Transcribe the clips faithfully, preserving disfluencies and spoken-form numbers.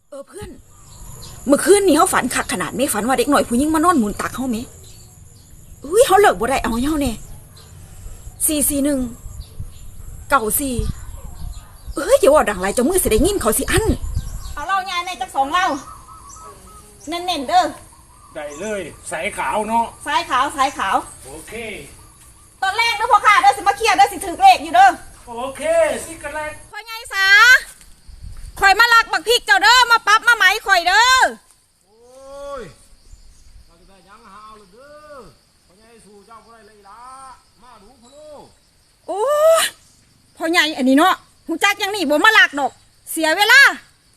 เออเพื่อนเมื่อคืนนี้เขาฝันคักขนาดไม่ฝันว่าเด็กหน่อยผู้หญิงมานอนหมุนตักเขาไหมอุ้ยเขาเลิกบ่ได้เอาเฮาเนี่ยสี่สี่หนึ่งเก่าสี่เอ้ยอย่าว่าดังไรจะมือเสียได้ยินเขาสิอันเอาเล่าไงในจักสองเล่าเน้นๆเด้อได้เลยสายขาวเนาะสายขาวสายขาวโอเคตอนแรกเด้อพ่อข้าเด้อสิมาเคลียร์เด้อสิถือเลขอยู่เด้อโอเคสิกันแรกข่อยไงสาข่อยมาลักบักพริกเจ้าเด้อมาปั๊บมาไหมข่อยเด้อโอ้ยเราจะได้ยังหาเอาเลยเด้อพ่อใหญ่สู่เจ้าบ่ได้เลยล่ะมาดูพ่อลูกโอ้พ่อใหญ่อันนี้เนาะหูจักยังนี่บ่มาลักดอกเสียเวลา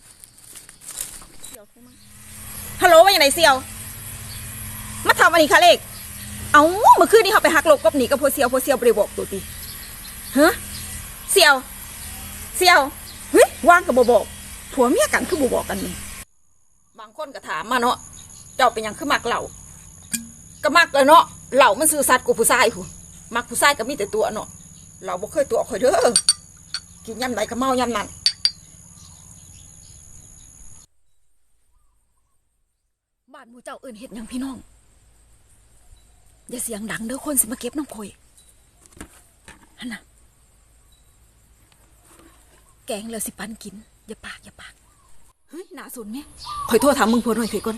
ฮัลโหลว่าอย่างไรเสี่ยวมาทำอันนี้ค่ะเลขเอาเมื่อคืนนี้เขาไปหักหลบกับหนีกับพวเซียวพวเซียวไปบอกตัวตีฮะเสี่ยวเสี่ยวเฮ้ยว่างกับบ่บอกผัวเมียกันคือบ่บอกกันนี่บางคนก็ถามมาเนาะเจ้าเป็นยังคือมักเหล่าก็มักเลยเนาะเหล่ามันซื่อสัตย์กว่าผู้ชายผู้มักผู้ชายก็มีแต่ตัวเนาะเราบ่เคยตัวข่อยเด้อกินยำไหนก็เมายำนั้นบ้านหมู่เจ้าเอิ้นเฮ็ดหยังพี่น้องอย่าเสียงดังเด้อคนสิมาเก็บน้ำข่อยฮั่นน่ะแกงเลยสิปันกินอย่าปากอย่าปากเฮ้ยน่าสนไหมข่อยโทษถามมึงผัวหน่อยข่อยก่อน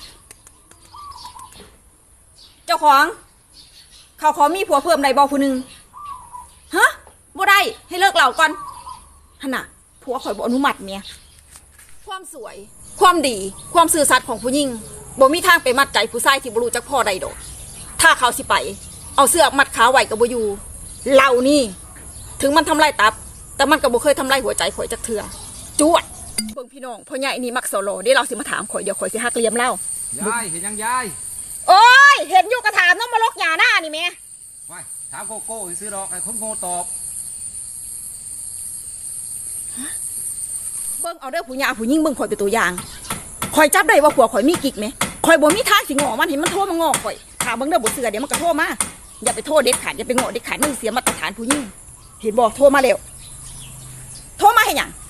เจ้าของเขาขอมีผัวเพิ่มได้บ่ผู้หนึ่งฮะบ่ได้ให้เลิกเหล่าก่อนฮั่นน่ะผัวข่อยบ่อนุมัติเมียความสวยความดีความซื่อสัตย์ของผู้หญิงบ่มีทางไปมัดใจผู้ชายที่บ่รู้จักพ่อใดดอกถ้าเขาสิไปเอาเสื้อมัดขาไว้กับบ่อยู่เหล่านี่ถึงมันทำลายตับแต่มันก็บ่เคยทำลายหัวใจข่อยจักเทื่อจวดเบิ่งพี่น้องพ่อใหญ่นี่มักโซโล่เดี๋ยวเราสิมาถามข่อยเดี๋ยวข่อยสิฮักเลี้ยมเล่ายายเห็นยังยายโอ้ยเห็นอยู่กระถามน้องมาลกหญ้าหน้านี่แม่ไว้ถามโกโก้ซื้อดอกไอ้คนโง่ตอบเบิ่งเอาเด้อผู้หญิงผู้หญิงเบิ่งข่อยเป็นตัวอย่างข่อยจับได้ว่าผัวข่อยมีกิ๊กไหมข่อยบ่มีทางสิงอมันเห็นมันโทรมางอข่อยถามเบิ่งเด้อบ่เชื่อเดี๋ยวมันก็โทรมาอย่าไปโทษเด็ดขาดอย่าไปงอเด็ดขาดมันเสียมาตรฐานผู้หญิงเห็นบ่โทรมาแล้วโทรมาให้หยัง